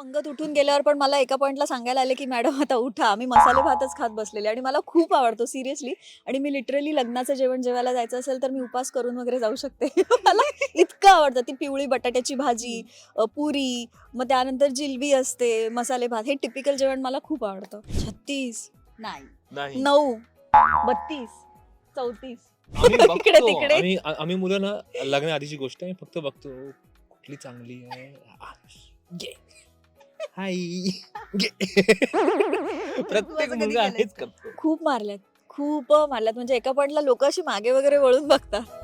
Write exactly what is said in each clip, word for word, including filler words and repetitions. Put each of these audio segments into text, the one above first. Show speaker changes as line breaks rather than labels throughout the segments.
पंगत उठून गेल्यावर पण मला एका पॉइंटला सांगायला आले की मॅडम आता उठा, आम्ही मसाले भातच खात बसलेले आणि मला खूप आवडतो सिरियसली. आणि मी लिटरली लग्नाचं जेवण जेवायला जायचं असेल तर मी उपास करून वगैरे जाऊ शकते. मला इतकं आवडतं ती पिवळी बटाट्याची भाजी, अ, पुरी, मग त्यानंतर जिलबी असते, मसाले भात, हे टिपिकल जेवण मला खूप आवडतं. छत्तीस
नाही.
नाही.
नऊ बत्तीस चौतीस
आम्ही
इकडे
बघतो
तिकडे.
आम्ही आ- आम्ही मुलं ना लग्नाआधीची गोष्ट आहे फक्त बघतो कुठली चांगली आहे आ, घे. हाय घे. प्रत्येक
कधी
मुलगा
केलंयस
हेच
का?
करतो.
खूप मारल्यात खूप मारल्यात म्हणजे एका पॉइंटला लोक अशी मागे वगैरे वळून बघतात.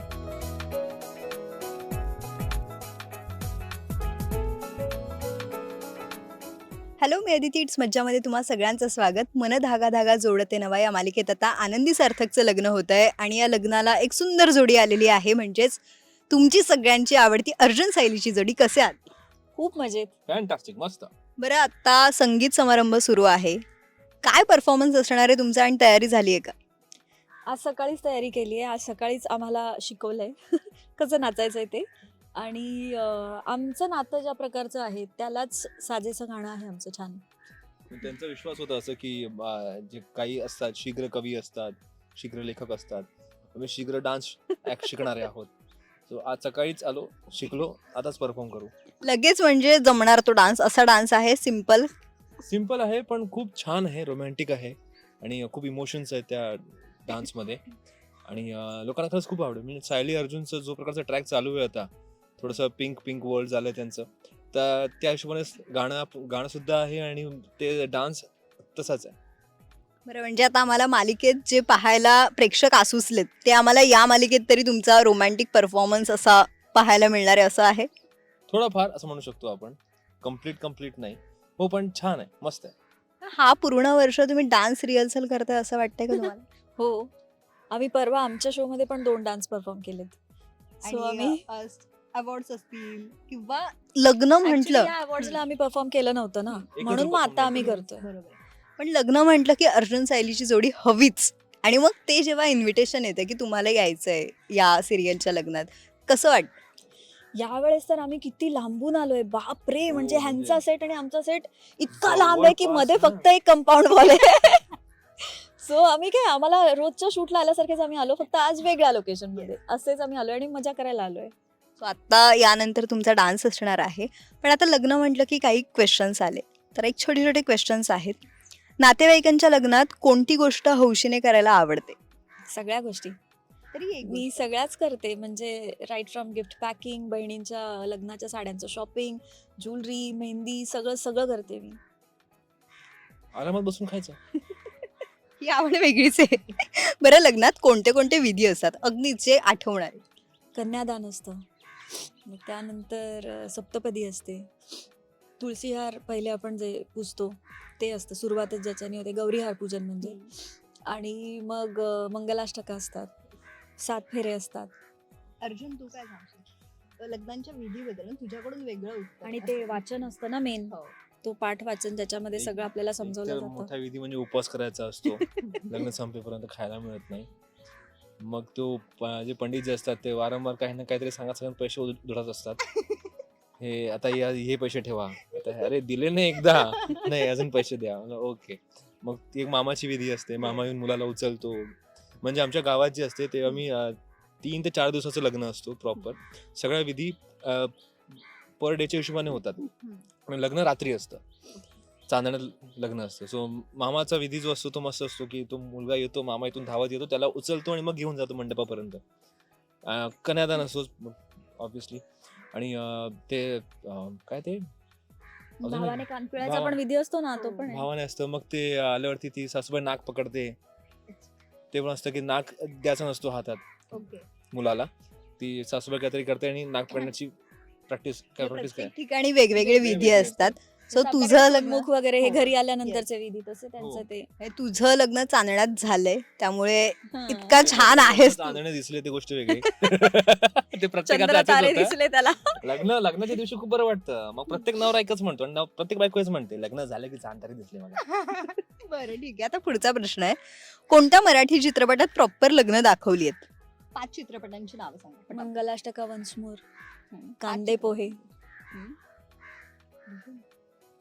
हॅलो मी अदिती इट्स मज्जामध्ये तुम्हा सगळ्यांचं स्वागत. मन धागा धागा जोडते नवा या मालिकेत आता आनंदी सार्थकचं लग्न होत आहे आणि या लग्नाला एक सुंदर जोडी आलेली आहे, म्हणजेच तुमची सगळ्यांची आवडती अर्जुन सायलीची जोडी. कसे आहात?
खूप मजेत.
फॅन्टास्टिक मस्त.
बरं, आता संगीत समारंभ सुरू आहे. काय परफॉर्मन्स असणार आहे तुमचा आणि तयारी झाली आहे का?
आज सकाळीच तयारी केली आहे. आज सकाळीच आम्हाला शिकवलंय कसं नाचायचंय ते. आणि अं, आमचं नातं ज्या प्रकारचं आहे त्यालाच साजेसं गाणं आहे आमचं छान.
त्यांचा विश्वास होता असं की आ, जे काही असतात शीघ्र कवी असतात, शीघ्र लेखक असतात, आम्ही शीघ्र डान्स शिकणारे आहोत. सो आज सकाळीच आलो, शिकलो, आताच परफॉर्म करू.
लगेच म्हणजे जमणार तो डान्स? असा डान्स आहे सिम्पल?
सिम्पल आहे पण खूप छान आहे, रोमॅन्टिक आहे आणि खूप इमोशन्स आहेत त्या डान्समध्ये. आणि अं, लोकांना खरंच खूप आवडेल. म्हणजे सायली अर्जुनचं जो प्रकारचा ट्रॅक चालू आहे आता, थोडंसं पिंक पिंक वर्ल्ड झालं त्यांचं, तर त्या हिशोबाने गाणं गाणं सुद्धा आहे आणि ते डान्स तसाच आहे.
बरं, म्हणजे आता आम्हाला मालिकेत जे पाहायला प्रेक्षक आसुसलेत ते आम्हाला या मालिकेत तरी तुमचा रोमॅन्टिक परफॉर्मन्स असा पाहायला मिळणार आहे, असं आहे?
थोडंफार असं म्हणू शकतो आपण. कम्प्लीट कम्प्लीट नाही हो, पण छान आहे, मस्त आहे.
हा पूर्ण वर्ष तुम्ही डान्स रिहर्सल करताय असं वाटतंय का तुम्हाला?
हो, आम्ही परवा आमच्या शो मध्ये पण दोन डान्स परफॉर्म केलेत. सो आम्ही
अवॉर्ड्स असतील किंवा लग्न म्हटलं
या अवॉर्ड्सला आम्ही परफॉर्म केलं नव्हतं ना,
एकच
म्हणून मग
perform
आता आम्ही
केलं.
करतोय.
बरोबर, पण लग्न म्हटलं की अर्जुन सायलीची जोडी हवीच. आणि मग ते जेव्हा इन्व्हिटेशन येतं की तुम्हाला यायचंय या सिरियलच्या लग्नात, कसं वाटतं?
यावेळेस तर आम्ही किती लांबून आलोय बापरे.
हो,
म्हणजे
म्हणजे
ह्यांचा सेट आणि आमचा सेट इतका
जवळपास
लांब आहे की मध्ये
ना.
फक्त एक कंपाऊंड वॉल आहे. सो आम्ही काय, आम्हाला रोजच्या शूटला आल्यासारखेच आम्ही आलो, फक्त आज वेगळ्या लोकेशन मध्ये असेच आम्ही आलोय आणि मजा करायला आलोय.
सो आता यानंतर तुमचा डान्स असणार आहे, पण आता लग्न म्हटलं की काही क्वेश्चन्स आले, तर एक छोटे छोटे क्वेश्चन्स आहेत. नातेवाईकांच्या लग्नात कोणती गोष्ट हौशीने करायला आवडते?
सगळ्या गोष्टी
तरी
मी सगळ्याच करते. म्हणजे राईट फ्रॉम गिफ्ट पॅकिंग, बहिणींच्या लग्नाच्या साड्यांचं शॉपिंग, ज्वेलरी, मेहंदी, सगळं सगळं करते मी.
आरामात बसून खायचं.
ही आवड वेगळीच आहे. बरं, लग्नात कोणते कोणते विधी असतात अगदीच जे आठवणार?
कन्यादान असतं, मग त्यानंतर अ, सप्तपदी असते, तुळशीहार पहिले आपण जे पूजतो ते असतं, सुरुवातच ज्याच्याने होते, गौरीहार पूजन म्हणजे. आणि मग अ, मंगलाष्टका असतात, सात फेरे असतात.
अर्जुन, तू काय सांगशील लग्नांच्या विधीबद्दल? तुझ्याकडून वेगळं उत्तर.
आणि ते वाचन असतं ना मेन,
हो.
तो पाठ वाचन, ज्याच्यामध्ये सगळं आपल्याला
एक
समजवलं
तर
जातं.
मोठा विधी म्हणजे उपवास करायचा असतो. लग्न संपेपर्यंत खायला मिळत नाही. मग तो प- जे पंडित जे असतात ते वारंवार काही ना काहीतरी सांगत सांगत पैसे उध- उधळत असतात. हे आता या हे पैसे ठेवा, आता अरे दिले नाही एकदा, नाही अजून पैसे द्या. ओके. मग ती एक मामाची विधी असते, मामा येऊन मुलाला उचलतो. म्हणजे आमच्या गावात जे असते ते आम्ही अं, तीन ते चार दिवसाचं लग्न असतो प्रॉपर. सगळ्या विधी पर डेच्या हिशोबाने होतात आणि लग्न रात्री असतं, चांदण्यात लग्न असतं. सो मामाचा विधी जो असतो तो मस्त असतो की तो मुलगा येतो, मामा इथून धावत येतो, त्याला उचलतो आणि मग घेऊन जातो मंडपापर्यंत. अं, कन्यादान असतो ऑब्विसली. आणि अं, ते अं, काय ते अजून एक-
भावाने कानपिळाचा
भाव-
पण विधी असतो ना, तो पण आहे.
भावाने असतं. मग ते आल्यावरती ती सासूबाई नाक पकडते. ते पण असतं की नाक द्यायचा नसतो हातात
ओके.
मुलाला. ती सासूबाई काहीतरी करते आणि नाक पकडण्याची प्रॅक्टिस काय प्रॅक्टिस काय
प्रत्येक ठिकाणी वेगवेगळे विधी
वेगवेगळे
असतात. सो
जसं
तुझं
आपल्याकडे
लग्न
मुख वगैरे हे
हो.
घरी आल्यानंतरचे विधी, तसे त्यांचं
हो.
ते.
हे तुझं लग्न चांदण्यात झालंय, त्यामुळे
हा.
इतका छान आहेस तू.
चांदणे दिसले ते गोष्ट वेगळी. ते प्रत्येकाचं
चंद्र
असंच
तारे
होतं.
दिसले त्याला.
लग्न लग्नाच्या दिवशी खूप बरं वाटतं. मग प्रत्येक नवरा एकच म्हणतो आणि नव- प्रत्येक बायको हेच म्हणते, लग्न झालं की चांदणे दिसले मला.
बरं, ठीक आहे. आता पुढचा प्रश्न आहे, कोणत्या मराठी चित्रपटात प्रॉपर लग्न दाखवली आहेत? पाच चित्रपटांची नावं सांगा.
मंगलाष्टका, वन्स मोर,
हम्म.
कांदे पोहे,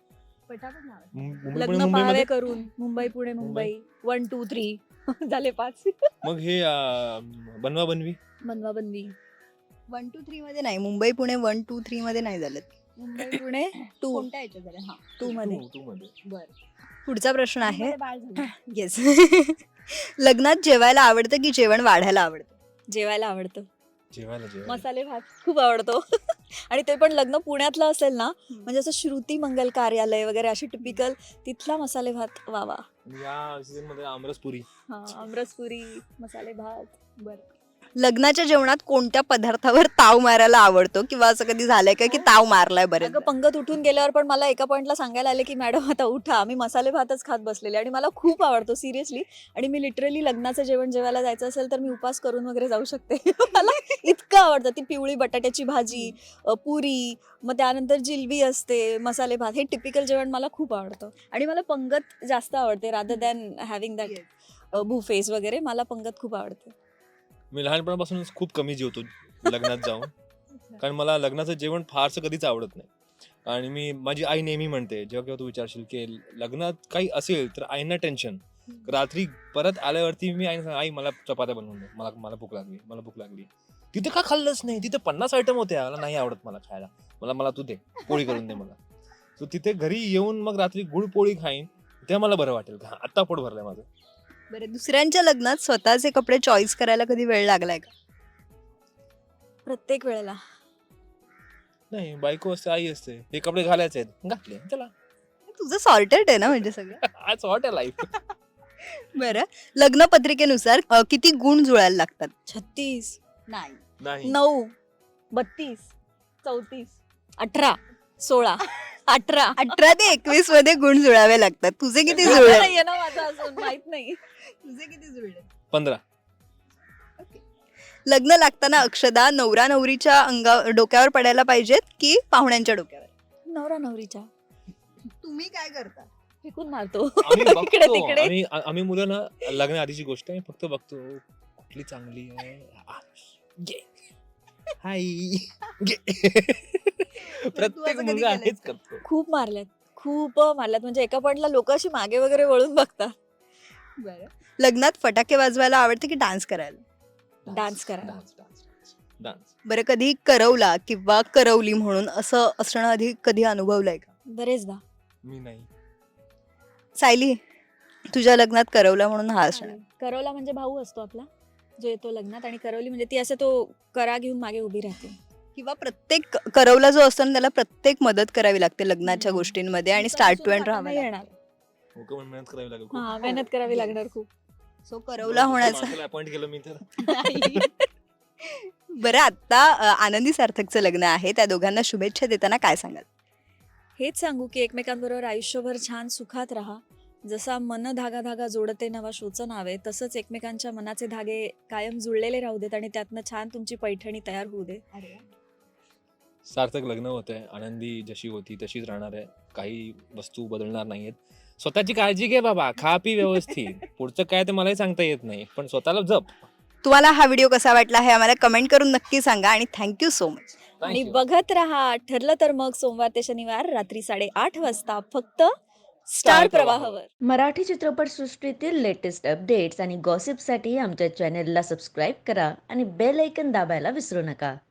पटापट नाव.
मुं- मुंबई पुणे
लग्न
मुंबईमध्ये
पहावे करून Mumbai Pune Mumbai one two three झाले पाच.
मग हे अं, बनवा बनवी
बनवा बनवी
वन टू थ्री मध्ये नाही, Mumbai Pune one two three मध्ये नाही झालं.
मुंबई पुणे टू
कोणत्या याच्यात झालं? हा.
टू मध्ये
तू- तू मध्ये
बरं. पुढचा प्रश्न आहे.
मध्ये बाळ झालं.
येस. लग्नात जेवायला आवडतं की जेवण वाढायला आवडतं?
जेवायला आवडतं.
जेवायला जेवायला
मसाले भात खूप आवडतो. आणि ते पण लग्न पुण्यातलं असेल ना, म्हणजे असं श्रुती मंगल कार्यालय वगैरे अशी टिपिकल तिथला मसाले भात वा वा.
आणि या सीझन मध्ये आमरसपुरी.
हा आमरसपुरी मसाले भात.
बरं. लग्नाच्या जेवणात कोणत्या पदार्थावर ताव मारायला आवडतो किंवा असं कधी झालंय का की ताव मारलाय बरेच?
अगं पंगत उठून गेल्यावर पण मला एका पॉइंटला सांगायला आले की मॅडम आता उठा, आम्ही मसाले भातच खात बसलेले आणि मला खूप आवडतो सिरियसली. आणि मी लिटरली लग्नाचं जेवण जेवायला जायचं असेल तर मी उपास करून वगैरे जाऊ शकते. मला इतकं आवडतं. ती पिवळी बटाट्याची भाजी, अ, पुरी, मग त्यानंतर जिलबी असते, मसाले भात, हे टिपिकल जेवण मला खूप आवडतं. आणि मला पंगत जास्त आवडते rather than having that buffets वगैरे. मला पंगत खूप आवडते.
मी लहानपणापासूनच खूप कमी जेवतो लग्नात जाऊन, कारण मला लग्नाचं जेवण फारसं कधीच आवडत नाही. आणि मी माझी आई नेहमी म्हणते, जेव्हा केव्हा तू विचारशील की लग्नात काही असेल तर आईंना टेन्शन. रात्री परत आल्यावरती मी आईने सांग, आई मला चपात्या बनवून दे, मला मला भूक लागली मला भूक लागली तिथे का खाल्लंच नाही? तिथे पन्नास आयटम होते, मला नाही आवडत मला खायला, मला मला तू दे पोळी करून दे मला. सो तिथे घरी येऊन मग रात्री गुळ पोळी खाईन, ते मला बरं वाटेल. का आता पोट भरलंय माझं.
बरं, दुसऱ्यांच्या लग्नात स्वतःचे कपडे चॉईस करायला कधी वेळ लागलाय का?
प्रत्येक वेळेला.
नाही, बायको असते, आई असते, हे कपडे घालायचे आहेत, घातले, चला.
तुझं सॉर्टेड आहे ना म्हणजे सगळं.
आज हॉट आहे लाईफ.
बरं, लग्न पत्रिकेनुसार अ, किती गुण जुळायला लागतात?
छत्तीस,
नाही.
नाही
नऊ, बत्तीस, चौतीस, अठरा, सोळा, अठरा.
अठरा ते एकवीस मध्ये गुण जुळावे लागतात. तुझे किती
आता
जुळले?
नाहीये ना माझं अजून माहित नाही.
तुझे किती जुळले?
पंधरा.
लग्न लागताना अक्षदा नवरा नवरीच्या अंगा डोक्यावर पडायला पाहिजेत की पाहुण्यांच्या डोक्यावर?
नवरा नवरीच्या
तुम्ही काय करता?
फेकून मारतो
आम्ही
इकडे
बघतो,
तिकडे.
आम्ही आम्ही मुलं ना लग्न आधीची गोष्ट आहे, फक्त बघतो कुठली चांगली आहे. आ, घे. हाय घे. प्रत्येक
कधी
मुलगा
केलंयस
हेच
का?
करतो.
खूप मारल्यात खूप मारल्यात. म्हणजे एका पॉइंटला लोक अशी मागे वगैरे वळून बघतात.
बरं, लग्नात फटाके वाजवायला आवडते की डान्स करायला?
डान्स करायला.
Dance dance dance.
बरं, कधी करवला किंवा करवली म्हणून असं असणं आधी कधी अनुभवलंय का?
बरेचदा.
मी नाही.
सायली, तुझ्या लग्नात करवला म्हणून हा असणार.
करवला म्हणजे भाऊ असतो आपला जो येतो लग्नात, आणि करवली म्हणजे ती असं तो करा घेऊन मागे उभी राहते.
किंवा प्रत्येक करवला जो असतो ना त्याला प्रत्येक मदत करावी लागते लग्नाच्या
हम्म.
गोष्टींमध्ये आणि
ती
स्टार्ट
पण
टू एंड
सुद्धा
राहावं
नाही
लागतं.
येणार.
हो का, पण मेहनत करावी लागेल खूप.
हा मेहनत करावी लागणार खूप.
सो करवला होण्याचं.
अपॉइंट केलं मी तर.
बरं, आता अ, आनंदी सार्थकचं लग्न आहे, त्या दोघांना शुभेच्छा देताना काय सांगाल?
हेच सांगू की एकमेकांबरोबर आयुष्यभर छान सुखात राहा. जसा मन धागा धागा जोडते नवा शोचं नाव आहे, तसंच एकमेकांच्या मनाचे धागे कायम जुळलेले राहू देत आणि त्यातनं छान तुमची पैठणी तयार होऊ दे.
सार्थक लग्न होत आहे, आनंदी जशी होती तशीच राहणार आहे, काही वस्तू बदलणार नाहीयेत. स्वतःची काळजी घे बाबा, खा पी व्यवस्थित. पुढचं काय ते मलाही सांगता येत नाही, पण स्वतःला जप.
तुम्हाला हा व्हिडिओ कसा वाटला हे आम्हाला कमेंट करून नक्की सांगा आणि थँक्यू सो मच.
आणि
Thank you.
बघत राहा. ठरलं तर मग सोमवार ते शनिवार रात्री साडेआठ वाजता फक्त स्टार प्रवाहावर.
मराठी चित्रपटसृष्टीतील लेटेस्ट अपडेट्स आणि गॉसिपसाठी आमच्या चॅनेलला सबस्क्राईब करा आणि बेल ऐकन दाबायला विसरू नका.